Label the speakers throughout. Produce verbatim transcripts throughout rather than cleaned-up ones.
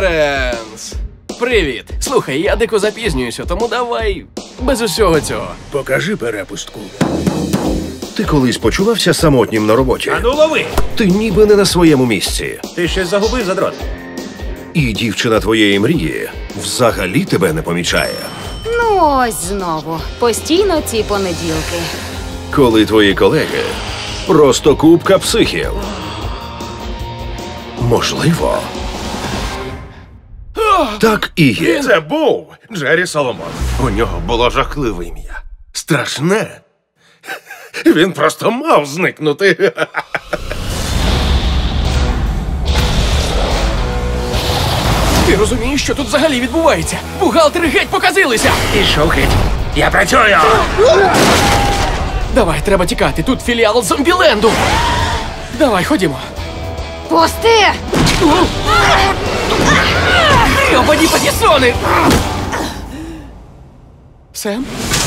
Speaker 1: Лоренс! Привіт! Слухай, я дико запізнююся, тому давай без усього цього.
Speaker 2: Покажи перепустку.
Speaker 3: Ти колись почувався самотнім на роботі?
Speaker 2: Ану лови!
Speaker 3: Ти ніби не на своєму місці.
Speaker 2: Ти щось загубив, задрот?
Speaker 3: І дівчина твоєї мрії взагалі тебе не помічає.
Speaker 4: Ну ось знову. Постійно ці понеділки.
Speaker 3: Коли твої колеги просто купка психів. Можливо. Так і є.
Speaker 2: Це був Джері Соломон. У нього було жахливе ім'я. Страшне. Він просто мав зникнути.
Speaker 1: Ти розумієш, що тут взагалі відбувається? Бухгалтери геть показилися!
Speaker 2: Пішов геть. Я працюю!
Speaker 1: Давай, треба тікати, тут філіал Зомбіленду! Давай, ходімо.
Speaker 4: Пусти!
Speaker 1: Гребані патісони! Сем?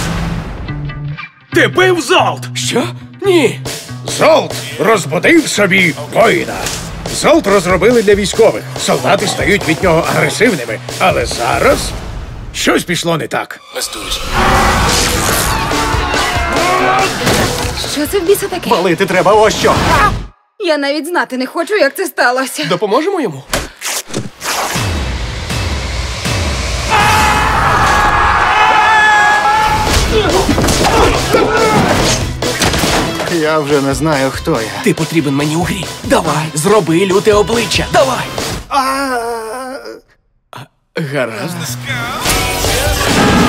Speaker 2: Ти бив Золт!
Speaker 1: Що? Ні!
Speaker 2: Золт розбудив собі воїна. Золт розробили для військових. Солдати стають від нього агресивними. Але зараз щось пішло не так.
Speaker 4: Що це в біса таке?
Speaker 1: Палити треба ось що!
Speaker 4: Я навіть знати не хочу, як це сталося.
Speaker 1: Допоможемо йому?
Speaker 5: Я вже не знаю, хто я.
Speaker 1: Ти потрібен мені у грі. Давай, зроби люте обличчя. Давай! А, гаразд.